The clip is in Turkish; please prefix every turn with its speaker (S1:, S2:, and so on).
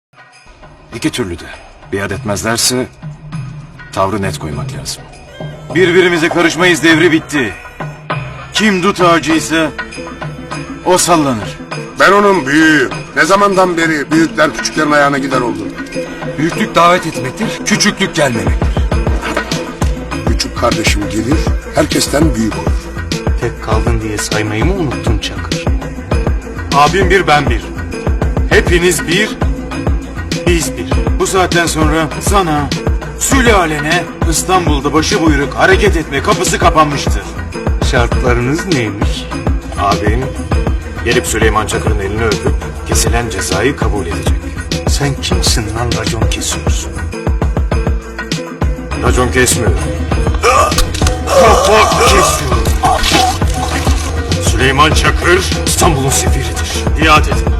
S1: İki türlü de. Biat etmezlerse tavrı net koymak lazım. Birbirimize karışmayız devri bitti. Kim dut ağacıysa o sallanır.
S2: Ben onun büyüğüyüm. Ne zamandan beri büyükler küçüklerin ayağına gider oldu.
S3: Büyüklük davet etmektir, küçüklük gelmemektir.
S2: Küçük kardeşim gelir, herkesten büyük olur.
S4: Tek kaldın diye saymayı mı unuttun Çakır?
S1: Abim bir, ben bir. Hepiniz bir, biz bir. Bu saatten sonra sana, sülalene İstanbul'da başı buyruk hareket etme kapısı kapanmıştır.
S4: Şartlarınız neymiş?
S1: Abim gelip Süleyman Çakır'ın elini öpüp kesilen cezayı kabul edecek.
S4: Sen kimsin lan racon kesiyorsun?
S1: Racon kesmiyorum. Kafa kesiyorum. Süleyman Çakır İstanbul'un sefiridir. Biat edin.